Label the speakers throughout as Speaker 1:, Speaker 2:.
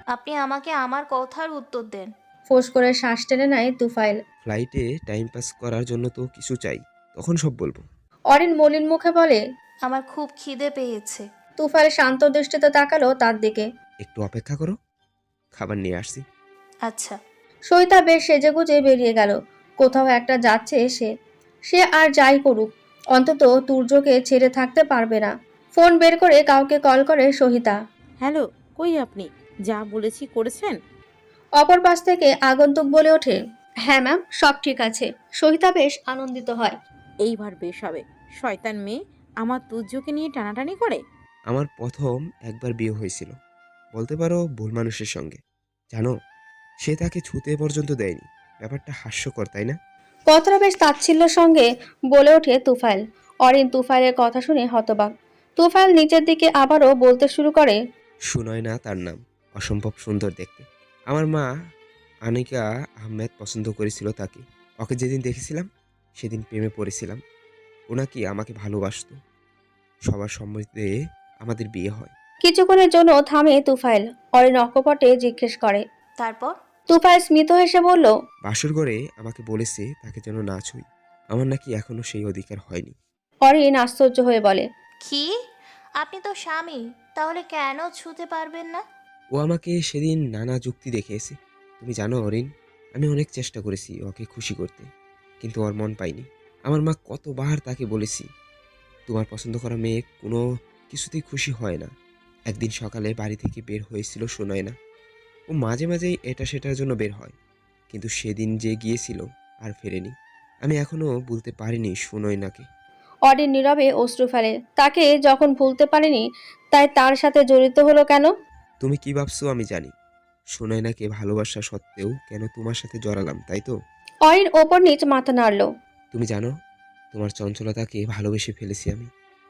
Speaker 1: আপনি আমাকে আমার কথার উত্তর দেন।
Speaker 2: ফোঁস করে শ্বাস টেনে নেয় তুফাইল।
Speaker 3: ফ্লাইটে টাইম পাস করার জন্য তো কিছু চাই, তখন সব বলবো।
Speaker 2: অরিন মলিন মুখে বলে।
Speaker 1: আমার খুব খিদে পেয়েছে।
Speaker 2: তুফাইল শান্ত দৃষ্টিতে তাকালো তার দিকে।
Speaker 3: একটু অপেক্ষা করো, খাবার নিয়ে আসছি।
Speaker 1: আচ্ছা।
Speaker 2: সইতা বেশ সেজেগুজে বেরিয়ে গেল। কোথাও একটা যাচ্ছে সে। সে আর যাই করুক, অন্তত তুর্যকে ছেড়ে থাকতে পারবে না। ফোন বের করে কাউকে কল করে সহিতা।
Speaker 4: হ্যালো, কই আপনি? যা বলেছি করেছেন?
Speaker 2: অপর পাশ থেকে আগন্তুক বলে ওঠে, হ্যাঁ ম্যাম, সব ঠিক আছে। সহিতা বেশ আনন্দিত হয়।
Speaker 4: এইবার বেশ হবে। শয়তান মেয়ে আমার তুজ্জকে নিয়ে টানাটানি করে।
Speaker 3: আমার প্রথম একবার বিয়ে হয়েছিল, বলতে পারো ভুল মানুষের সঙ্গে। জানো, সে তাকে ছুতে পর্যন্ত দেয়নি। ব্যাপারটা হাস্যকর, তাই না?
Speaker 2: কথাটা বেশ তাচ্ছিল্যের সঙ্গে বলে ওঠে তুফাইল। অরিন তুফাইলের কথা শুনে হতবাক। তুফাইল নিচের দিকে আবারও বলতে শুরু করে,
Speaker 3: সুনয় না তার নাম, অসম্ভব সুন্দর দেখতে। আমার মা আনিকা আহমেদ পছন্দ করেছিল তাকে। ওকে যেদিন দেখেছিলাম সেদিন প্রেমে পড়েছিলাম। ও নাকি আমাকে ভালোবাসতো। সবার সম্মতিতে আমাদের বিয়ে হয়।
Speaker 2: কিছুক্ষণের জন্য থামে তুফাইল। অরিন অকপটে জিজ্ঞেস করে।
Speaker 1: তারপর?
Speaker 2: তুফাইল স্মিত হেসে বলল,
Speaker 3: বাসর ঘরে আমাকে বলেছে তাকে যেন না ছুঁই। আমার নাকি এখনো সেই অধিকার হয়নি।
Speaker 2: অরিন আশ্চর্য হয়ে বলে,
Speaker 1: কি? আপনি তো স্বামী, তাহলে কেন ছুতে পারবেন না?
Speaker 3: ও আমাকে সেদিন নানা যুক্তি দেখিয়েছে। তুমি জানো অরিন, আমি অনেক চেষ্টা করেছি ওকে খুশি করতে, কিন্তু ওর মন পাইনি। আমার মা কতবার তাকে বলেছি, তোমার পছন্দ করা মেয়ে কোনো কিছুতেই খুশি হয় না। একদিন সকালে বাড়ি থেকে বের হয়েছিল শোনায় না। ও মাঝে মাঝেই এটা সেটার জন্য বের হয়, কিন্তু সেদিন যে গিয়েছিল আর ফেরেনি। আমি এখনো ভুলতে পারিনি সুনয়নাকে।
Speaker 2: অরিন নীরবে অশ্রু ফেলে। তাকে যখন ভুলতে পারেনি, তাই তার সাথে জড়িত হলো কেন?
Speaker 3: তুমি কি ভাবছো আমি জানি। সুনয়নাকে ভালোবাসা সত্ত্বেও কেন তোমার সাথে জড়ালাম, তাই তো?
Speaker 2: অরিন ওপর নিচ মাথা নাড়ল।
Speaker 3: তুমি জানো, তোমার চঞ্চলতাকে ভালোবেসে ফেলেছি আমি।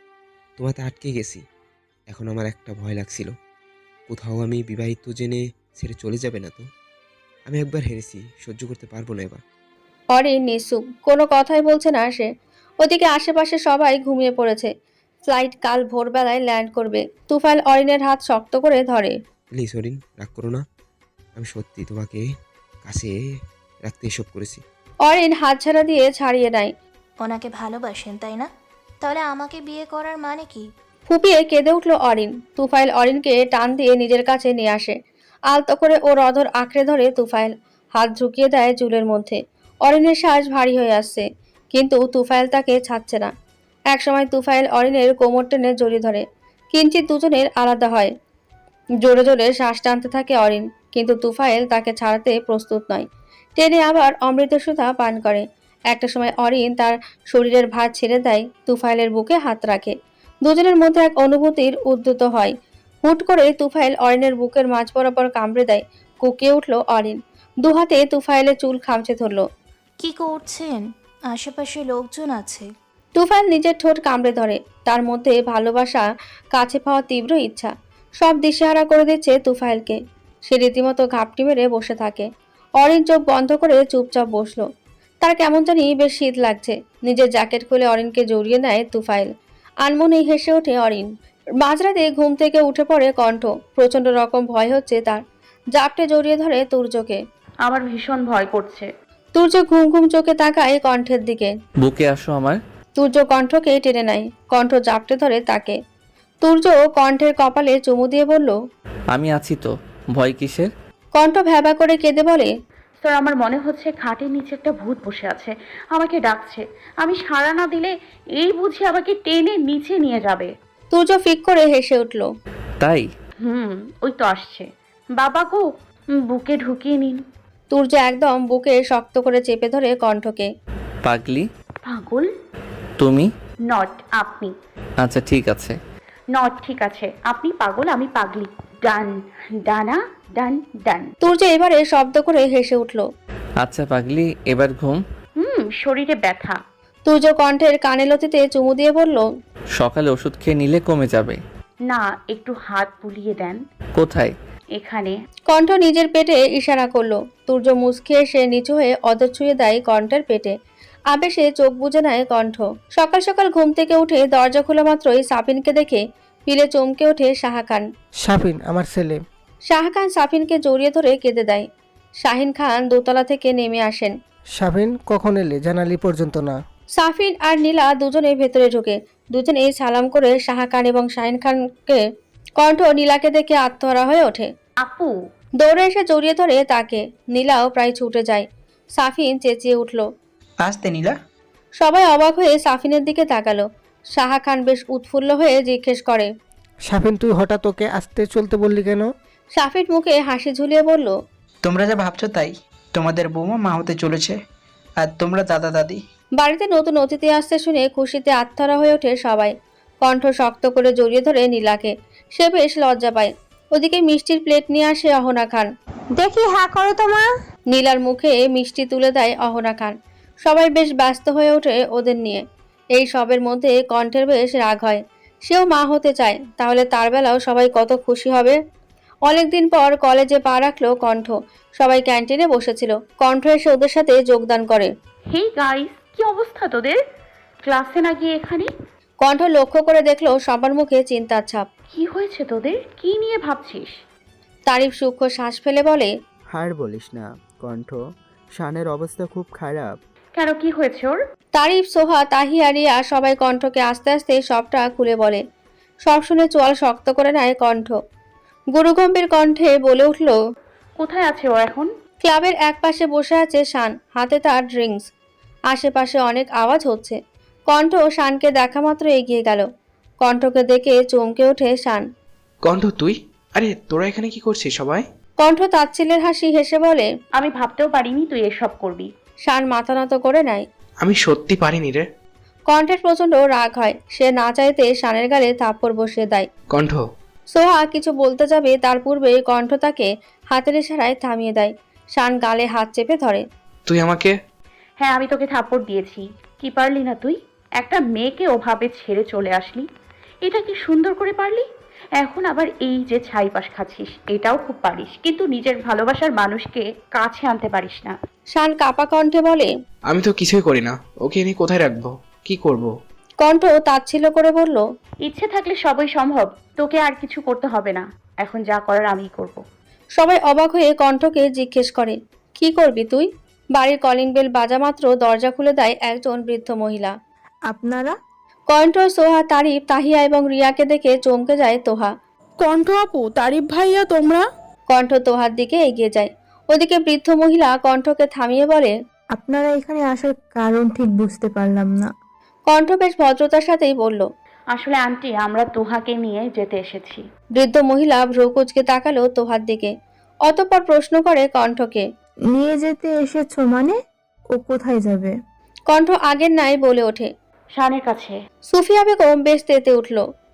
Speaker 3: তোমাতে আটকে গেছি। এখন আমার একটা ভয় লাগছিল, কোথাও আমি বিবাহিত জেনে ছেড়ে চলে যাবে না তো? আমি একবার হেরেছি, সহ্য করতে পারবো না এবার।
Speaker 2: অরিন নিঃসুপ, কোনো কথাই বলছে না সে। ওদিকে আশেপাশে সবাই ঘুমিয়ে পড়েছে। ফ্লাইট কাল ভোরবেলায় ল্যান্ড করবে। তুফাইল অরিনের হাত শক্ত করে ধরে।
Speaker 3: প্লিজ অরিন, রাগ করো না। আমি সত্যি তোমাকে কাছে রাখতে এসব করেছি।
Speaker 2: অরিন হাত ছাড়া দিয়ে ছাড়িয়ে নেয়।
Speaker 1: ওনাকে ভালোবাসেন তাই না? তাহলে আমাকে বিয়ে করার মানে কি?
Speaker 2: ফুপিয়ে কেঁদে উঠল অরিন। তুফাইল অরিনকে টান দিয়ে নিজের কাছে নিয়ে আসে। আলতো করে ওর অধর আঁকড়ে ধরে তুফাইল। হাত ঝুঁকিয়ে দেয় চুলের মধ্যে। অরিনের শ্বাস ভারী হয়ে আসছে, কিন্তু তুফাইল তাকে ছাড়ছে না। একসময় তুফাইল অরিনের কোমর টেনে জড়িয়ে ধরে। কিঞ্চিত দুজনের আলাদা হয়। জোরে জোরে শ্বাস টানতে থাকে অরিন, কিন্তু তুফাইল তাকে ছাড়াতে প্রস্তুত নয়। টেনে আবার অমৃত সুধা পান করে। একটা সময় অরিন তার শরীরের ভার ছেড়ে দেয়, তুফাইলের বুকে হাত রাখে। দুজনের মধ্যে এক অনুভূতির উদ্যত হয়। হুট করে তুফাইল অরিনের বুকের মাঝ বরাবর কামড়ে দেয়। কুকিয়ে উঠল অরিন। দুহাতে তুফাইলের চুল খামচে ধরল।
Speaker 1: কি করছেন? আশেপাশে লোকজন আছে।
Speaker 2: তুফাইল নিজের ঠোঁট কামড়ে ধরে। তার মধ্যে ভালোবাসা, কাছে পাওয়ার তীব্র ইচ্ছা সব দিশেহারা করে দিচ্ছে তুফাইলকে। সে রীতিমতো ঘাপটি মেরে বসে থাকে। অরিন চোখ বন্ধ করে চুপচাপ বসলো। তার কেমন জানি বেশ শীত লাগছে। নিজের জ্যাকেট খুলে অরিনকে জড়িয়ে নেয় তুফাইল। আনমনেই হেসে ওঠে অরিন। মাঝরাতে ঘুম থেকে উঠে পড়ে কণ্ঠ। প্রচন্ড রকম ভয় হচ্ছে তার। জাপটে জড়িয়ে ধরে তুর্যকে।
Speaker 5: আমার ভীষণ ভয় করছে।
Speaker 2: তুর্য ঘুম ঘুম চোখে তাকায় কণ্ঠের দিকে।
Speaker 6: বুকে আসো আমার।
Speaker 2: তুর্য কণ্ঠকে টেনে নেয়। কণ্ঠ জাপটে ধরে তাকে। তুর্য কণ্ঠের কপালে চুমু দিয়ে বলল,
Speaker 6: আমি আছি তো, ভয় কিসের?
Speaker 2: কণ্ঠ ভ্যাবা করে কেঁদে বলে,
Speaker 5: স্যার, আমার মনে হচ্ছে খাটের নিচে একটা ভূত বসে আছে, আমাকে ডাকছে। আমি সাড়া না দিলে এই বুঝি আমাকে টেনে নিচে নিয়ে যাবে।
Speaker 2: তুর্য ফিক করে হেসে উঠল।
Speaker 6: তাই?
Speaker 5: ওই তো আসছে। বাবা গো, বুকে ঢুকিয়ে নিন।
Speaker 2: তুর্য একদম বুকে শক্ত করে চেপে ধরে কণ্ঠকে।
Speaker 6: পাগলি?
Speaker 5: পাগল?
Speaker 6: তুমি?
Speaker 5: নট আপনি।
Speaker 6: আচ্ছা ঠিক আছে।
Speaker 5: নট ঠিক আছে, আপনি পাগল, আমি পাগলি। ডান ডানা ডান ডান।
Speaker 2: তুর্য এবারে শব্দ করে হেসে উঠল।
Speaker 6: আচ্ছা পাগলি, এবার ঘুম।
Speaker 5: শরীরে ব্যথা।
Speaker 2: তুর্য কণ্ঠের কানে লতিতে চুমু দিয়ে বলল,
Speaker 6: সকালে ওষুধ খেয়ে নিলে কমে যাবে।
Speaker 5: না, একটু হাত বুলিয়ে দেন।
Speaker 6: কোথায়?
Speaker 5: এখানে।
Speaker 2: কণ্ঠ নিজের পেটে ইশারা করলো। তুর্য মুচকি এসে নিচু হয়ে অদর ছুঁয়ে দেয় কণ্ঠের পেটে। আবেশে চোখ বুজে নেয় কণ্ঠ। সকাল সকাল ঘুম থেকে উঠে দরজা খোলা মাত্রই সাপিনকে দেখে পিলে চমকে ওঠে সাহা খান।
Speaker 7: সাবিন, আমার ছেলে।
Speaker 2: শাহ খান সাফিনকে জড়িয়ে ধরে কেঁদে দেয়। শাহিন খান দোতলা থেকে নেমে আসেন।
Speaker 7: শাবিন কখন এলে? জানালি পর্যন্ত না।
Speaker 2: সাফিন আর নীলা দুজনে ভেতরে ঢুকে দুজনেই সালাম করে শাহ খান এবং শাহিন খানকে। কণ্ঠ নীলাকে দেখে আত্মহারা হয়ে ওঠে।
Speaker 5: আপু,
Speaker 2: দৌড়ে এসে জড়িয়ে ধরে তাকে। নীলাও প্রায় ছুটে যায়। সাফিন চেঁচিয়ে উঠল।
Speaker 8: আসতে নীলা।
Speaker 2: সবাই অবাক হয়ে সাফিনের দিকে তাকালো। শাহ খান বেশ উৎফুল্ল হয়ে জিজ্ঞেস করে।
Speaker 7: শাবিন তুই হঠাৎ ওকে আসতে চলতে বললি কেন?
Speaker 2: সাফিন মুখে হাসি ঝুলিয়ে বলল,
Speaker 8: তোমরা যা ভাবছো তাই, তোমাদের বৌমা মা হতে চলেছে আর তোমরা দাদা দাদি।
Speaker 2: বাড়িতে নতুন অতিথি আসতে শুনে খুশিতে আত্মহারা হয়ে ওঠে সবাই। কণ্ঠ শক্ত করে জড়িয়ে ধরে নীলাকে। সে বেশ লজ্জা পায়। ওদিকে মিষ্টির প্লেট নিয়ে আসে অহনা খান।
Speaker 4: দেখি হ্যাঁ করো তো মা।
Speaker 2: নীলার মুখে মিষ্টি তুলে দেয় অহনা খান। সবাই বেশ ব্যস্ত হয়ে ওঠে ওদের নিয়ে। এই সবের মধ্যে কণ্ঠের বেশ রাগ হয়। সেও মা হতে চায়, তাহলে তার বেলাও সবাই কত খুশি হবে। অনেকদিন পর কলেজে পা রাখলো কণ্ঠ। সবাই ক্যান্টিনে বসেছিল। কণ্ঠ এসে ওদের সাথে যোগদান করে।
Speaker 5: হেই গাইস, কি অবস্থা তোদের? ক্লাসে না গিয়ে এখানে?
Speaker 2: কণ্ঠ লক্ষ্য করে দেখলো সবার মুখে চিন্তার ছাপ।
Speaker 5: কি হয়েছে তোদের? কি নিয়ে ভাবছিস?
Speaker 2: তারিফ সূক্ষ্ম শ্বাস ফেলে বলে,
Speaker 9: আর বলিস না কণ্ঠ, শানের অবস্থা খুব খারাপ।
Speaker 5: কেন, কি হয়েছে ওর?
Speaker 2: তারিফ, সোহা, তাহিয়া, রিয়া সবাই কণ্ঠকে আস্তে আস্তে সবটা খুলে বলে। সব শুনে চোয়াল শক্ত করে নেয় কণ্ঠ। গুরুগম্ভীর কণ্ঠে বলে উঠল,
Speaker 5: কোথায় আছে ও এখন?
Speaker 2: ক্লাবের একপাশে বসে আছে শান, হাতে তার ড্রিঙ্কস। আশেপাশে অনেক আওয়াজ হচ্ছে। কণ্ঠ শানকে দেখা মাত্র এগিয়ে গেল। কণ্ঠকে দেখে চমকে ওঠে শান।
Speaker 10: কণ্ঠ তুই? আরে তোরা এখানে কি করছিস সবাই?
Speaker 2: কণ্ঠ তাচ্ছিল্যের হাসি হেসে বলে,
Speaker 5: আমি ভাবতেও পারিনি তুই এসব করবি।
Speaker 2: শান মাথা নত করে নেয়।
Speaker 10: আমি সত্যি পারিনি রে।
Speaker 2: কণ্ঠের প্রচন্ড রাগ হয়। সে না চাইতে শানের গালে থাপ্পড় বসিয়ে দেয়।
Speaker 10: কণ্ঠ,
Speaker 2: সোহা কিছু বলতে যাবে, তার পূর্বে কণ্ঠ তাকে হাতের ইশারায় থামিয়ে দেয়। শান গালে হাত চেপে ধরে।
Speaker 10: তুই আমাকে?
Speaker 5: হ্যাঁ, আমি তোকে থাপ্পড় দিয়েছি। কি পারলি না তুই? একটা মেয়েকে ওভাবে ছেড়ে চলে আসলি। এটা কি সুন্দর করে পারলি? এখন আবার এই যে ছাইপাশ খাচ্ছিস, এটাও খুব পারিস, কিন্তু নিজের ভালোবাসার মানুষকে কাছে আনতে পারিস না।
Speaker 2: শান কাপা কণ্ঠে বলে,
Speaker 10: আমি তো কিছুই করি না। ওকে এনে কোথায় রাখবো? কি করব?
Speaker 2: কণ্ঠ তাচ্ছিল্য করে বলল,
Speaker 5: ইচ্ছে থাকলে সবই সম্ভব। তোকে আর কিছু করতে হবে না। এখন যা করার আমিই করব।
Speaker 2: সবাই অবাক হয়ে কণ্ঠকে জিজ্ঞেস করে, কি করবি তুই? বাড়ির কলিং বেল বাজা মাত্র দরজা খুলে দেয় একজন বৃদ্ধ মহিলা।
Speaker 11: আপনারা?
Speaker 2: কণ্ঠ, সোহা, তারিফ, তাহিয়া এবং রিয়াকে দেখে চমকে যায় তোহা।
Speaker 11: কণ্ঠ আপু, তারিফ ভাইয়া, তোমরা?
Speaker 2: কণ্ঠ তোহার দিকে এগিয়ে যায়। ওদিকে বৃদ্ধ মহিলা কণ্ঠকে থামিয়ে বলে,
Speaker 11: আপনারা এখানে আসার কারণ ঠিক বুঝতে পারলাম না।
Speaker 2: কণ্ঠ বেশ ভদ্রতার সাথেই বলল,
Speaker 5: আসলে আন্টি, আমরা তোহাকে নিয়ে যেতে এসেছি।
Speaker 2: বৃদ্ধ মহিলা ভ্রু কুঁচকে তাকালো তোহার দিকে। অতঃপর প্রশ্ন করে কণ্ঠকে,
Speaker 11: নিয়ে যেতে এসেছো মানে? ও কোথায় যাবে?
Speaker 2: কণ্ঠ আগের নাই বলে ওঠে।
Speaker 5: শানের কাছে।
Speaker 2: সুফিয়া বেগম বেশ তেতে উঠল।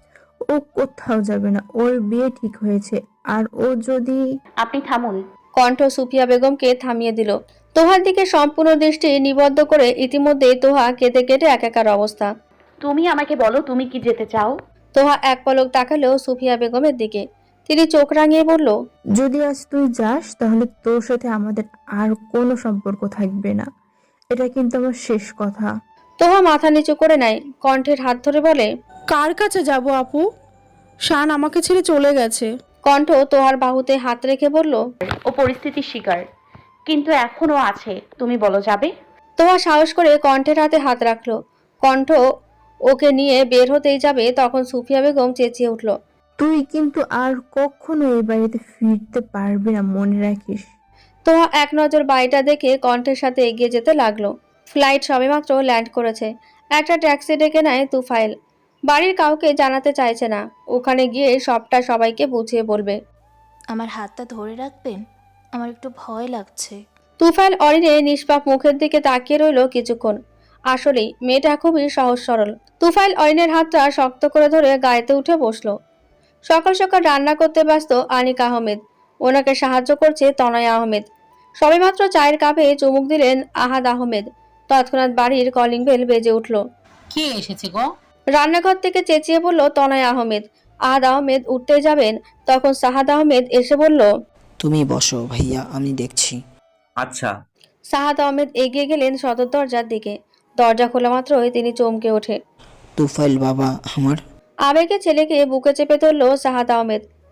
Speaker 11: ও কোথাও যাবে না, ওর বিয়ে ঠিক হয়েছে। আর ও যদি...
Speaker 5: আপনি থামুন।
Speaker 2: কণ্ঠ সুফিয়া বেগমকে থামিয়ে দিল। তোহার দিকে সম্পূর্ণ দৃষ্টি নিবদ্ধ করে। ইতিমধ্যেই তোহা কেটে কেটে একাকার অবস্থা।
Speaker 5: তুমি আমাকে বলো, তুমি কি যেতে চাও?
Speaker 2: তোহা এক পলক তাকালো সুফিয়া বেগমের দিকে। তিনি চোখ রাঙিয়ে বলল,
Speaker 11: যদি আজ তুই যাস তাহলে তোর সাথে আমাদের আর কোনো সম্পর্ক থাকবে না। এটা কিন্তু আমার শেষ কথা।
Speaker 2: তোহা মাথা নিচু করে নেয়। কণ্ঠের হাত ধরে বলে,
Speaker 11: কার কাছে যাব আপু? শান আমাকে ছেড়ে চলে গেছে।
Speaker 2: কণ্ঠ তোহার বাহুতে হাত রেখে বলল,
Speaker 5: ও পরিস্থিতির শিকার, কিন্তু এখনো আছে। তুমি বলো, যাবে?
Speaker 2: তোহা সাহস করে কণ্ঠের হাতে হাত রাখলো। কণ্ঠ ওকে নিয়ে বের হতেই যাবে, তখন সুফিয়া বেগম চেঁচিয়ে উঠল,
Speaker 11: তুই কিন্তু আর কখনো এই বাড়িতে ফিরতে পারবি না, মনে রাখিস।
Speaker 2: তোহা এক নজর বাড়িটা দেখে কণ্ঠের সাথে এগিয়ে যেতে লাগলো। ফ্লাইট সবেমাত্র ল্যান্ড করেছে। একটা ট্যাক্সি ডেকে নেয় তুফাইল। বাড়ির কাউকে জানাতে চাইছে না। ওখানে গিয়ে সবটা সবাইকে বুঝিয়ে বলবে।
Speaker 1: আমার হাতটা ধরে রাখবেন? আমার একটু ভয় লাগছে।
Speaker 2: তুফাইল অরিনের নিষ্পাপ মুখের দিকে তাকিয়ে রইল কিছুক্ষণ। আসলেই মেয়েটা খুবই সহজ সরল। তুফাইল অরিনের হাতটা শক্ত করে ধরে গায়েতে উঠে বসলো। সকাল সকাল রান্না করতে ব্যস্ত আনিক আহমেদ। ওনাকে সাহায্য করছে তনয় আহমেদ। সবেমাত্র চায়ের কাপে চুমুক দিলেন আহাদ আহমেদ। তৎক্ষণাৎ বাড়ির কলিং বেল বেজে উঠল।
Speaker 12: কে এসেছে গো?
Speaker 2: রান্নাঘর থেকে চেঁচিয়ে বলল তনয় আহমেদ। আহাদ আহমেদ উঠতে যাবেন, তখন সাহাদ আহমেদ এসে বলল,
Speaker 12: তুমি বসো ভাইয়া, আমি দেখছি।
Speaker 13: আচ্ছা।
Speaker 2: সাহাদ আহমেদ এগিয়ে গেলেন সদর দরজার দিকে। দরজা খোলা মাত্রই তিনি চমকে ওঠে।
Speaker 12: তুফাইল বাবা আমার।
Speaker 2: আবেগে ছেলেকে বুকে চেপে ধরল সাহাদ আহমেদ।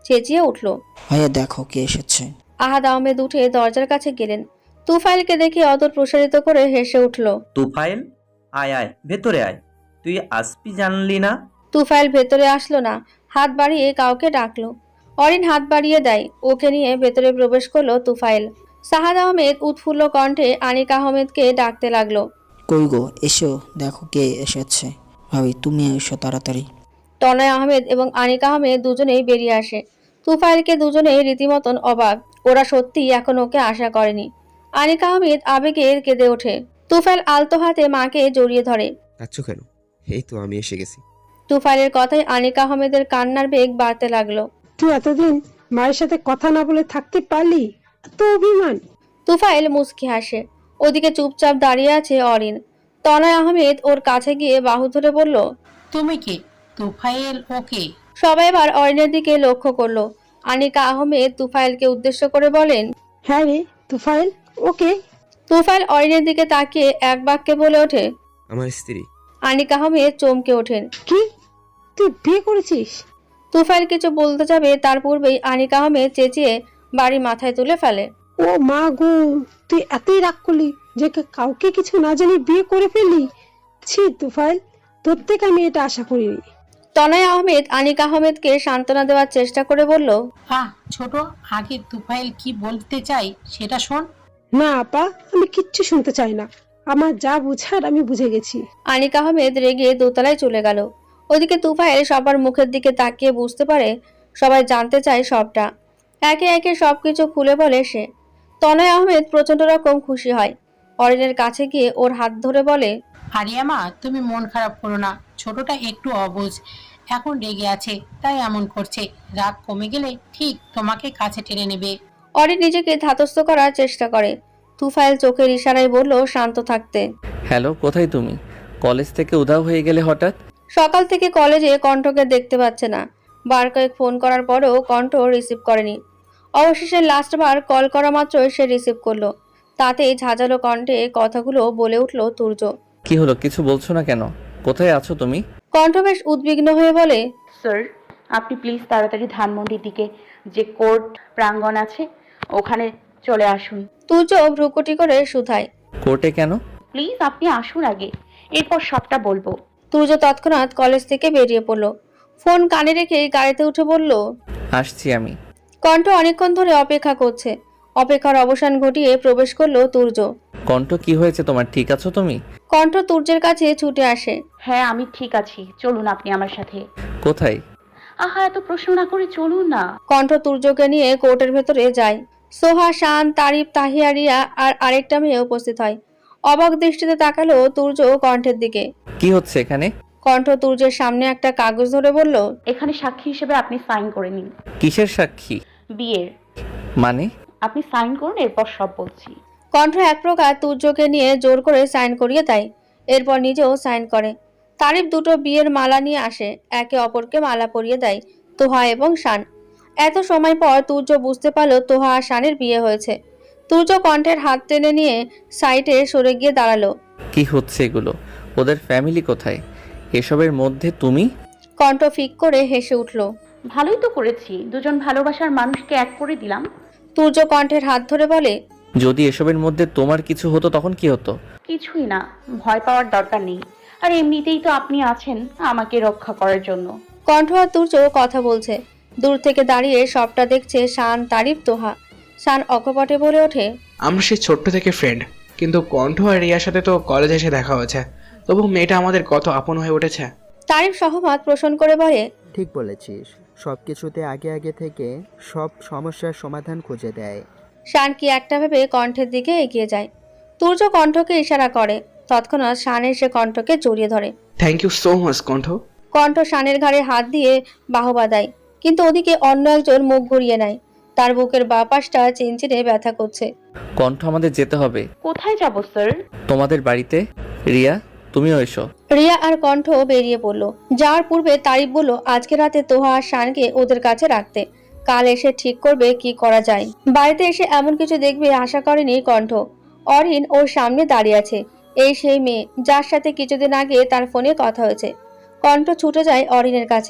Speaker 2: চেঁচিয়ে উঠল।
Speaker 12: ভাইয়া দেখো কে এসেছে।
Speaker 2: আহাদ আহমেদ উঠে দরজার কাছে গেলেন। তুফাইলকে দেখে অদর প্রসারিত করে হেসে উঠল।
Speaker 13: তুফাইল, আয় আয় ভেতরে আয়, তুই আসবি জানলি না?
Speaker 2: তুফাইল ভেতরে আসলো না, হাত বাড়িয়ে কাউকে ডাকলো। অরিন হাত বাড়িয়ে দেয়, ওকে নিয়ে ভেতরে প্রবেশ করলো তুফাইল। সাহাদ আহমেদ উৎফুল্ল কণ্ঠে আনিক আহমেদকে ডাকতে লাগলো।
Speaker 12: কই গো, এসো দেখো কে এসেছে। ভাবি তুমি এসো তাড়াতাড়ি।
Speaker 2: তনয় আহমেদ এবং আনিক আহমেদ দুজনেই বেরিয়ে আসে। তুফাইলকে দুজনেই রীতিমতন অবাক, ওরা সত্যিই এখন ওকে আশা করেনি। আনিক আহমেদ আবেগে কেঁদে ওঠে। তুফাইল আলতো হাতে মাকে জড়িয়ে ধরে।
Speaker 3: কাচ্ছ কেন? এই তো আমি এসে গেছি।
Speaker 2: তুফাইলের কথায় আনিক আহমেদের কান্নার বেগ বাড়তে লাগলো।
Speaker 14: তুই এতদিন মায়ের সাথে কথা না বলে থাকতে পারলি? এত অভিমান!
Speaker 2: তুফাইল মুচকি হাসে। ওদিকে চুপচাপ দাঁড়িয়ে আছে অরিন। তনয় আহমেদ ওর কাছে গিয়ে বাহু ধরে বলল,
Speaker 12: তুমি কে? তুফাইল ওকে?
Speaker 2: সবাই এবার অরিনের দিকে লক্ষ্য করলো। আনিকা আহমেদ তুফাইলকে উদ্দেশ্য করে বলেন,
Speaker 14: হ্যাঁ রে তুফাইল, ওকে।
Speaker 2: তুফাইল অরিনের দিকে তাকিয়ে এক বাক্যে বলে ওঠে,
Speaker 3: আমার স্ত্রী।
Speaker 2: আনিকা আহমেদ চমকে ওঠেন।
Speaker 14: কি, তুই বিয়ে করেছিস?
Speaker 2: তুফাইল কিছু বলতে যাবে তার পূর্বেই আনিকা আহমেদ চেঁচিয়ে বাড়ি মাথায় তুলে ফেলে।
Speaker 14: ও মা গো, তুই এতই রাগ করলি যে কাউকে কিছু না জানি বিয়ে করে ফেললি? ছি তুফাইল, তোর থেকে আমি এটা আশা করিনি।
Speaker 2: তনয় আহমেদ আনিকা আহমেদকে সান্ত্বনা দেওয়ার চেষ্টা করে বলল,
Speaker 12: ছোট, আগে তুফাইল কি বলতে চাই সেটা শোন।
Speaker 14: না আপা, আমি কিচ্ছু শুনতে চাই না। আমার যা বুঝার আমি বুঝে গেছি।
Speaker 2: আনিকা আহমেদ রেগে দোতলায় চলে গেল। ওদিকে তুফাইল সবার মুখের দিকে তাকিয়ে বুঝতে পারে সবাই জানতে চায় সবটা। একে একে সবকিছু খুলে বলে সে। তনয় আহমেদ প্রচন্ড রকম খুশি হয়। অরিনের কাছে গিয়ে ওর হাত ধরে বলে,
Speaker 12: আরিয়া মা, তুমি মন খারাপ করো না, ছোটটা একটু অবুঝ, এখন রেগে আছে তাই এমন করছে। রাগ কমে গেলে ঠিক তোমাকে কাছে টেনে নেবে।
Speaker 2: অরিন নিজেকে ধাতস্থ করার চেষ্টা করে। তুফাইল চোখের ইশারায় বলল শান্ত থাকতে।
Speaker 6: হ্যালো, কোথায় তুমি? কলেজ থেকে উধাও হয়ে গেলে হঠাৎ?
Speaker 2: সকাল থেকে কলেজে কণ্ঠকে দেখতে পাচ্ছে না। বার কয়েক ফোন করার পরেও কণ্ঠ রিসিভ করেনি। অবশেষে লাস্টবার কল করা মাত্রই সে রিসিভ করলো। তাতেই ঝাঁঝালো কণ্ঠে কথাগুলো বলে উঠল তুর্য।
Speaker 6: কি হলো, কিছু বলছো না কেন? কোথায় আছো তুমি?
Speaker 2: কণ্ঠ বেশ উদ্বিগ্ন হয়ে বলে,
Speaker 5: স্যার, আপনি প্লিজ তাড়াতাড়ি ধানমন্ডির দিকে যে কোর্ট প্রাঙ্গণ আছে ওখানে চলে আসুন।
Speaker 2: তুর্য ভ্রুকুটি করে শুধায়,
Speaker 6: কোর্টে কেন?
Speaker 5: প্লিজ আপনি আসুন আগে, এরপর সবটা বলবো।
Speaker 2: তুর্য তৎক্ষণাৎ কলেজ থেকে বেরিয়ে পড়লো। ফোন কানে রেখে গাড়িতে উঠে বলল,
Speaker 6: আসছি আমি।
Speaker 2: কণ্ঠ অনেকক্ষণ ধরে অপেক্ষা করছে। অপেক্ষার অবসান ঘটিয়ে প্রবেশ করলো তুর্য।
Speaker 6: কণ্ঠ, কি হয়েছে তোমার? ঠিক আছো তুমি?
Speaker 2: কণ্ঠ তুর্যের কাছে ছুটে আসে।
Speaker 5: হ্যাঁ আমি ঠিক আছি, চলুন আপনি আমার সাথে।
Speaker 6: কোথায়?
Speaker 5: আহা, এত প্রশ্ন না করে চলুন না।
Speaker 2: কণ্ঠ তুর্যকে নিয়ে কোর্টের ভেতরে যায়। সোহা, শান, তারিফ, তাহিয়া, রিয়া আর আরেকটা মেয়ে উপস্থিত হয়। অবাক দৃষ্টিতে তাকালো তুর্য কণ্ঠের দিকে।
Speaker 6: কি হচ্ছে এখানে?
Speaker 2: কণ্ঠ তুর্যের সামনে একটা কাগজ ধরে বলল,
Speaker 5: এখানে সাক্ষী হিসেবে আপনি সাইন করে নিন।
Speaker 6: কিসের সাক্ষী?
Speaker 5: বিয়ের।
Speaker 6: মানে?
Speaker 5: আপনি সাইন করুন, এরপর সব বলছি।
Speaker 2: কণ্ঠ এক প্রকার তুর্যকে নিয়ে জোর করে সাইন করিয়ে দেয়। এরপর নিজেও সাইন করে। তারিফ দুটো বিয়ের মালা নিয়ে আসে, একে অপরকে মালা পরিয়ে দেয় তোহা এবং শান। এত সময় পর তুর্য বুঝতে পারলো তোহা আর শানের বিয়ে হয়েছে। তুর্য কণ্ঠের হাত টেনে নিয়ে সাইডে সরে গিয়ে দাঁড়ালো।
Speaker 6: কি হচ্ছে এগুলো? ওদের ফ্যামিলি কোথায়? এসবের মধ্যে তুমি?
Speaker 2: কণ্ঠ ফিক করে হেসে উঠল।
Speaker 5: ভালোই তো করেছি, দুজন ভালোবাসার মানুষকে এক করে দিলাম।
Speaker 2: তুর্য কণ্ঠের হাত ধরে বলে,
Speaker 6: যদি এসবের মধ্যে তোমার কিছু হতো তখন কি হতো?
Speaker 5: কিছুই না, ভয় পাওয়ার দরকার নেই। আর এমনিতেই তো আপনি আছেন আমাকে রক্ষা করার জন্য।
Speaker 2: কণ্ঠ আর তুর্য কথা বলছে। দূর থেকে দাঁড়িয়ে সবটা দেখছে শান, তারিফ, তোহা। শান অকপটে বলে ওঠে,
Speaker 10: আমরা সেই ছোট্ট থেকে ফ্রেন্ড, কিন্তু কণ্ঠ আর রিয়ার সাথে তো কলেজে এসে দেখা হয়েছে, তবু মেয়েটা আমাদের কত আপন হয়ে উঠেছে।
Speaker 2: তারিফ সহমত পোষণ করে বলে,
Speaker 9: ঠিক বলেছিস, সব কিছুতে আগে আগে থেকে সব সমস্যার সমাধান খুঁজে দেয়।
Speaker 2: শান কি একটা ভেবে কণ্ঠের দিকে এগিয়ে যায়। তুর্য কণ্ঠকে ইশারা করে। তৎক্ষণাৎ শান এসে কণ্ঠকে জড়িয়ে ধরে।
Speaker 10: থ্যাংক ইউ সো মাচ কণ্ঠ।
Speaker 2: কণ্ঠ শানের ঘাড়ে হাত দিয়ে বাহবা দেয়, কিন্তু ওদিকে অন্য একজন মুখ ঘুরিয়ে নেয়। তার বুকের বাঁ পাশটা চিনচিনে ব্যথা করছে।
Speaker 6: কণ্ঠ, আমাদের যেতে হবে।
Speaker 5: কোথায় যাব স্যার?
Speaker 6: তোমাদের বাড়িতে। রিয়া, তুমিও এসো।
Speaker 2: রিয়া আর কণ্ঠ বেরিয়ে পড়লো। যাওয়ার পূর্বে তারিফ বলল আজকে রাতে তোহা আর শানকে ওদের কাছে রাখতে, কাল এসে ঠিক করবে কি করা যায়। বাড়িতে এসে এমন কিছু দেখবে আশা করেনি কণ্ঠ। অরিন ওর সামনে দাঁড়িয়ে আছে। এই সেই মেয়ে যার সাথে কিছুদিন আগে তার ফোনে কথা হয়েছে। কণ্ঠ ছুটে যায় অরিনের কাছে।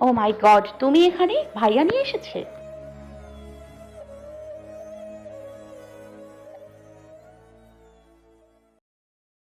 Speaker 5: ও মাই গড, তুমি এখানে? ভাইয়া নিয়ে এসেছে?